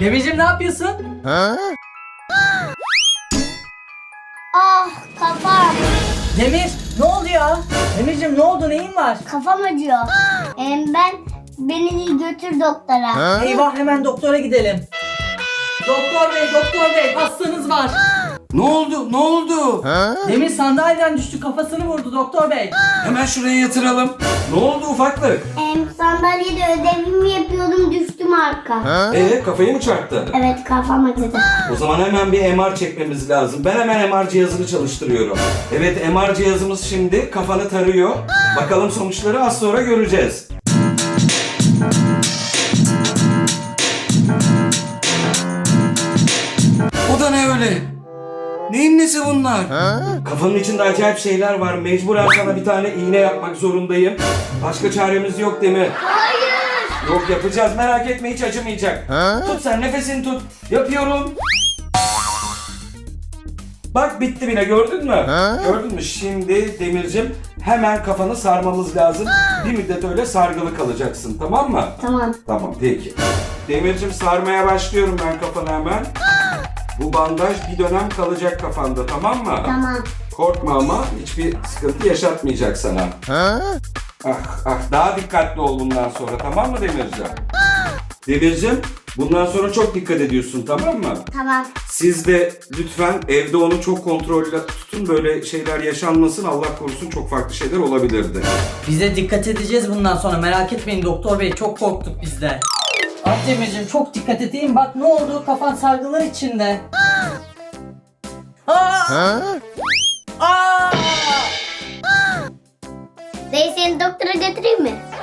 Demircim ne yapıyorsun? Ah kafam. Demir ne oluyor? Demircim ne oldu, neyin var? Kafam acıyor. Beni götür doktora. Eyvah, hemen doktora gidelim. Doktor bey hastanız var. Ne oldu? Ne oldu? Demir sandalyeden düştü, kafasını vurdu doktor bey. Hemen şuraya yatıralım. Ne oldu ufaklık? Sandalyede ödevimi yapıyordum, düştüm arka. Kafayı mı çarptı? Evet, kafam acıdı. O zaman hemen bir MR çekmemiz lazım. Ben hemen MR cihazını çalıştırıyorum. Evet, MR cihazımız şimdi kafanı tarıyor. Bakalım sonuçları az sonra göreceğiz. O da ne öyle? Neyin nesi bunlar? Kafanın içinde acayip şeyler var. Mecburen sana bir tane iğne yapmak zorundayım. Başka çaremiz yok değil mi? Hayır. Yok, yapacağız, merak etme, hiç acımayacak. Tut sen, nefesini tut. Yapıyorum. Bak bitti bile, gördün mü? Gördün mü? Şimdi Demircim hemen kafanı sarmamız lazım. Bir müddet öyle sargılı kalacaksın, tamam mı? Tamam. Tamam, peki. Demircim sarmaya başlıyorum ben kafanı hemen. Bu bandaj bir dönem kalacak kafanda, tamam mı? Tamam. Korkma ama hiçbir sıkıntı yaşatmayacak sana. Daha dikkatli ol bundan sonra, tamam mı Demircim? Demircim, bundan sonra çok dikkat ediyorsun, tamam mı? Tamam. Siz de lütfen evde onu çok kontrollü tutun, böyle şeyler yaşanmasın, Allah korusun, çok farklı şeyler olabilirdi. Biz de dikkat edeceğiz bundan sonra, merak etmeyin doktor bey, çok korktuk biz de. Ah Demircim çok dikkat edeyim, bak ne oldu, kafan sargılar içinde. Aa! Dayı, seni doktora götüreyim mi?